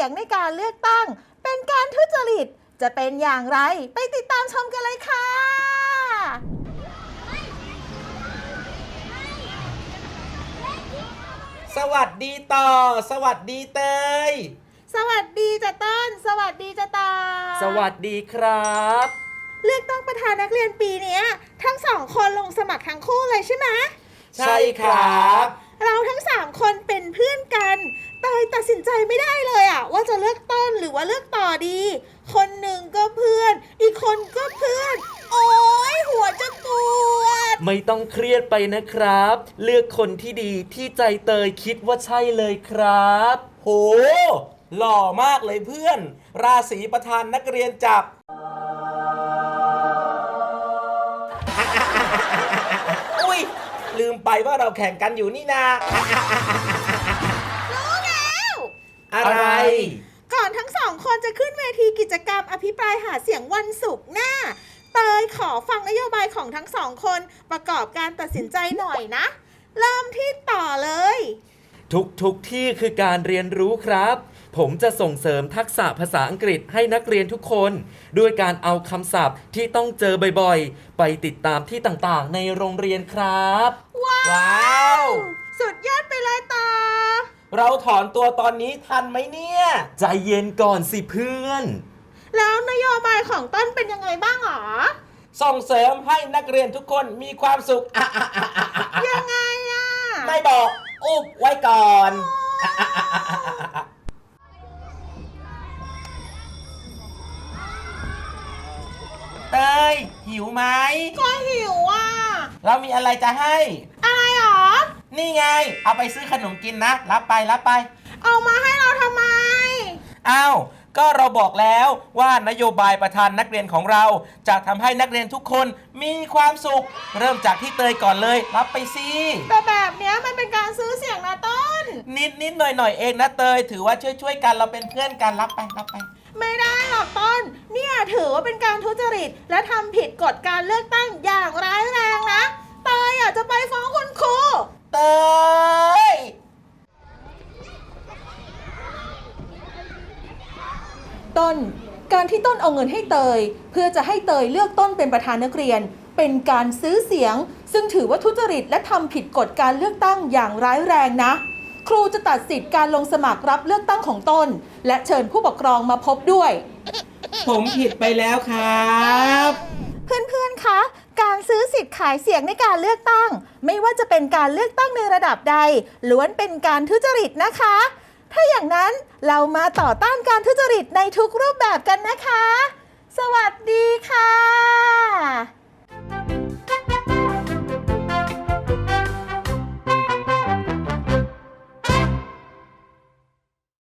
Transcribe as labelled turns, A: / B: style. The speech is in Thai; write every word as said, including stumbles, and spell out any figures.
A: สียงในการเลือกตั้งเป็นการทุจริตจะเป็นอย่างไรไปติดตามชมกันเลยค่ะ
B: สวัสดีต่อสวัสดีเตย
A: สวัสดีจ้ะต้นสวัสดีจ้ะตา
B: สวัสดีครับ
A: เลือกตั้งประธานนักเรียนปีนี้ทั้งสองคนลงสมัครทั้งคู่เลยใช่ไหม
B: ใช่ครับ
A: เราทั้งสามคนเป็นเพื่อนกันเตยตัดสินใจไม่ได้เลยอะว่าจะเลือกต้นหรือว่าเลือกต่อดีคนหนึ่งก็เพื่อนอีกคนก็เพื่อนโอ๊ยหัวจะปวด
B: ไม่ต้องเครียดไปนะครับเลือกคนที่ดีที่ใจเตยคิดว่าใช่เลยครับโหหล่อมากเลยเพื่อนราศีประธานนักเรียนจับอุ้ยลืมไปว่าเราแข่งกันอยู่นี่นา
A: รู้แล้ว
B: อะไร
A: ก่อนทั้งสองคนจะขึ้นเวทีกิจกรรมอภิปรายหาเสียงวันศุกร์หน้าเตยขอฟังนโยบายของทั้งสองคนประกอบการตัดสินใจหน่อยนะเริ่มที่ต่อเลย
B: ทุกทุกที่คือการเรียนรู้ครับผมจะส่งเสริมทักษะภาษาอังกฤษให้นักเรียนทุกคนด้วยการเอาคำศัพท์ที่ต้องเจอบ่อยๆไปติดตามที่ต่างๆในโรงเรียนครับ
A: ว้าว wow! สุดยอดไปเลยตา
B: เราถอนตัวตอนนี้ทันไหมเนี่ยใจเย็นก่อนสิเพื่อน
A: แล้วนโยบายของต้นเป็นยังไงบ้างหรอ
B: ส่งเสริมให้นักเรียนทุกคนมีความสุข
A: ยังไงอ่ะ
B: ไม่บอกอุบไว้ก่อนเตยหิวไหม
A: ก็หิวอ่ะ
B: เรามีอะไรจะให้
A: อะไรหรอ
B: นี่ไงเอาไปซื้อขนมกินนะรับไปรับไป
A: เอามาให้เราทำไม
B: อ้าวก็เราบอกแล้วว่านโยบายประธานนักเรียนของเราจะทำให้นักเรียนทุกคนมีความสุขเริ่มจากที่เตยก่อนเลยรับไปสิ
A: แต่แบบนี้มันเป็นการซื้อเสียงนะต้น
B: นิดนิดหน่อยหน่อยเองนะเตยถือว่าช่วยช่วยกันเราเป็นเพื่อนกันรับไปรับไป
A: ไม่ได้หรอกต้นเนี่ยถือว่าเป็นการทุจริตและทำผิดกฎการเลือกตั้งอย่างร้ายแรงนะเตยอยากจะไปฟ้องคุณครู
B: เตย
A: ต้นการที่ต้นเอาเงินให้เตยเพื่อจะให้เตยเลือกต้นเป็นประธานนักเรียนเป็นการซื้อเสียงซึ่งถือว่าทุจริตและทำผิดกฎการเลือกตั้งอย่างร้ายแรงนะครูจะตัดสิทธิ์การลงสมัครรับเลือกตั้งของต้นและเชิญผู้ปกครองมาพบด้วย
B: ผมผิดไปแล้วครับ
A: เพื่อนๆคะการซื้อสิทธิ์ขายเสียงในการเลือกตั้งไม่ว่าจะเป็นการเลือกตั้งในระดับใดล้วนเป็นการทุจริตนะคะถ้าอย่างนั้นเรามาต่อต้านการทุจริตในทุกรูปแบบกันนะคะสวัสดีค่ะ